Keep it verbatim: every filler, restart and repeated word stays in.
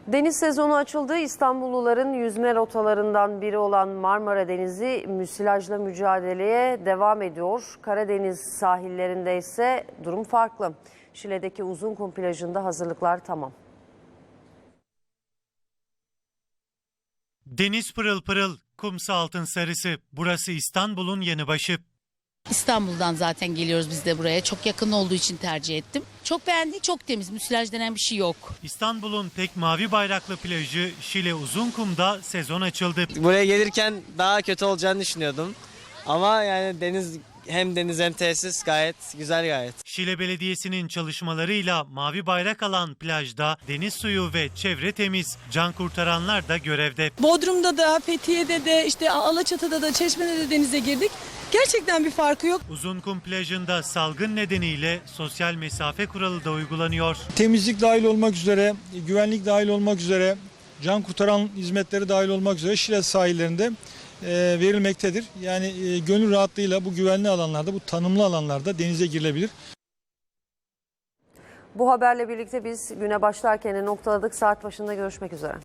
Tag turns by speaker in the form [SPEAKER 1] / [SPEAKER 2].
[SPEAKER 1] Deniz sezonu açıldı. İstanbulluların yüzme rotalarından biri olan Marmara Denizi müsilajla mücadeleye devam ediyor. Karadeniz sahillerinde ise durum farklı. Şile'deki Uzunkum plajında hazırlıklar tamam.
[SPEAKER 2] Deniz pırıl pırıl, kumsa altın sarısı. Burası İstanbul'un yanı başı.
[SPEAKER 3] İstanbul'dan zaten geliyoruz biz de buraya. Çok yakın olduğu için tercih ettim. Çok beğendik, çok temiz. Müsilaj denen bir şey yok.
[SPEAKER 2] İstanbul'un tek mavi bayraklı plajı Şile Uzunkum'da sezon açıldı.
[SPEAKER 4] Buraya gelirken daha kötü olacağını düşünüyordum. Ama yani deniz hem deniz hem tesis gayet güzel gayet.
[SPEAKER 2] Şile Belediyesi'nin çalışmalarıyla mavi bayrak alan plajda deniz suyu ve çevre temiz. Can kurtaranlar da görevde.
[SPEAKER 5] Bodrum'da da, Fethiye'de de, işte Alaçatı'da da, Çeşme'de de denize girdik. Gerçekten bir farkı yok.
[SPEAKER 2] Uzunkum plajında salgın nedeniyle sosyal mesafe kuralı da uygulanıyor.
[SPEAKER 6] Temizlik dahil olmak üzere, güvenlik dahil olmak üzere, can kurtaran hizmetleri dahil olmak üzere Şile sahillerinde e, verilmektedir. Yani e, gönül rahatlığıyla bu güvenli alanlarda, bu tanımlı alanlarda denize girilebilir.
[SPEAKER 1] Bu haberle birlikte biz güne başlarken noktaladık. Saat başında görüşmek üzere.